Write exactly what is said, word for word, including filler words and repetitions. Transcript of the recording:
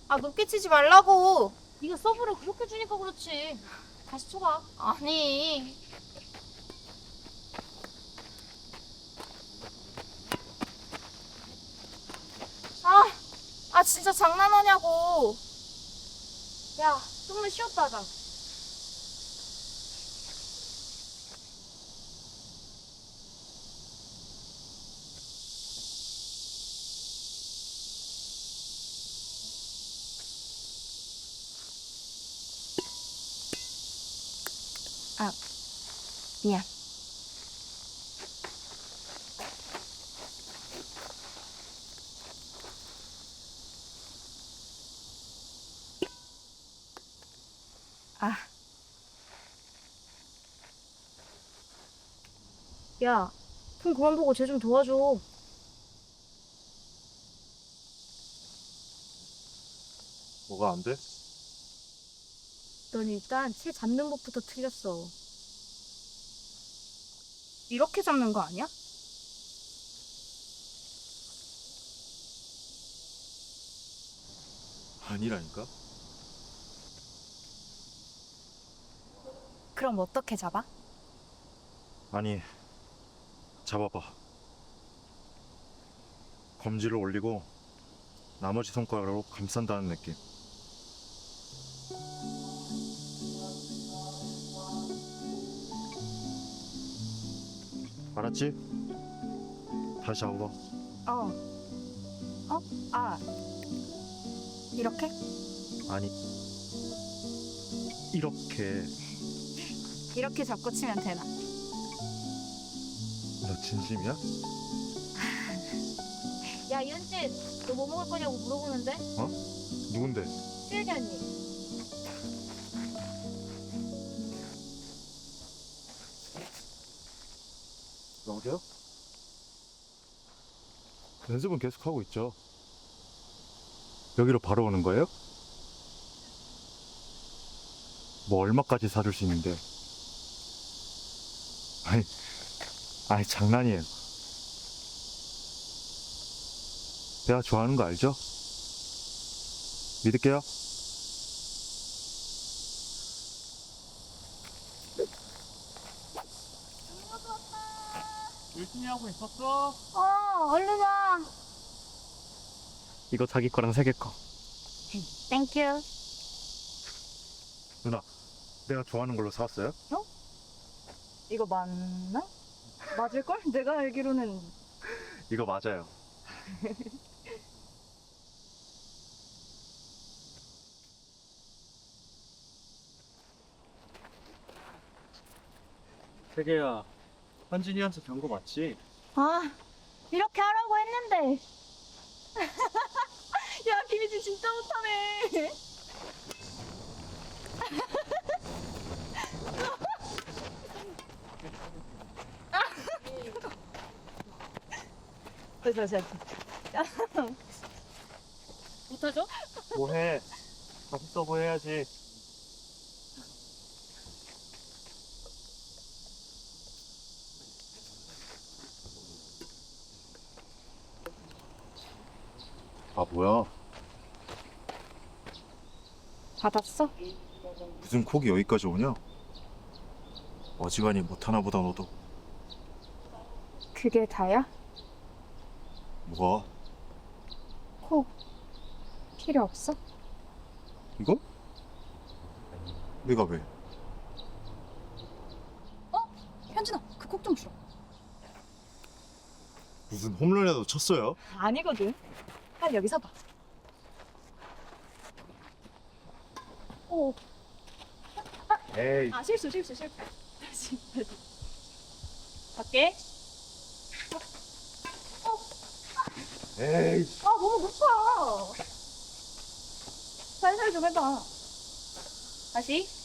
아, 높게 치지 말라고. 네가 서브를 그렇게 주니까 그렇지. 다시 쳐봐. 아니. 아, 아 진짜 장난하냐고. 야, 좀만 쉬었다 하자. 미안. 아, 야, 폰 그만 보고 쟤 좀 도와줘. 뭐가 안 돼? 넌 일단 채 잡는 법부터 틀렸어. 이렇게 잡는 거 아니야? 아니라니까? 그럼 어떻게 잡아? 아니, 잡아봐. 검지를 올리고 나머지 손가락으로 감싼다는 느낌. 알았지? 다시 잡아봐. 어. 어? 아. 이렇게? 아니, 이렇게. 이렇게 잡고 치면 되나? 너 진심이야? 야, 이은진, 너 뭐 먹을 거냐고 물어보는데? 누군데? 수혁이 언니. 여보세요? 연습은 계속 하고 있죠. 여기로 바로 오는 거예요? 뭐 얼마까지 사줄 수 있는데? 아니, 아니 장난이에요. 내가 좋아하는 거 알죠? 믿을게요. 열심히 하고 있었어? 어, 얼른 와. 이거 자기 거랑 세개 거. 땡큐. 누나, 내가 좋아하는 걸로 사왔어요? 이거 맞나? 맞을걸? 내가 알기로는. 이거 맞아요. 세계야, 현진이한테 경고 맞지? 아, 이렇게 하라고 했는데. 야, 김희진 진짜 못하네. 됐어, 됐어. 못하죠? 뭐해? 다시 서브 해야지. 아 뭐야? 받았어? 무슨 콕이 여기까지 오냐? 어지간히 못하나 보다 너도. 그게 다야? 뭐가? 콕 필요 없어? 이거? 내가 왜? 현진아, 그 콕 좀 줘. 무슨 홈런이라도 쳤어요? 아니거든. 빨리 여기 서봐. 오, 에이. 아 실수, 실수, 실수. 다시, 다시. 갈게. 에이. 아 너무 높아. 살살 좀 해봐. 다시.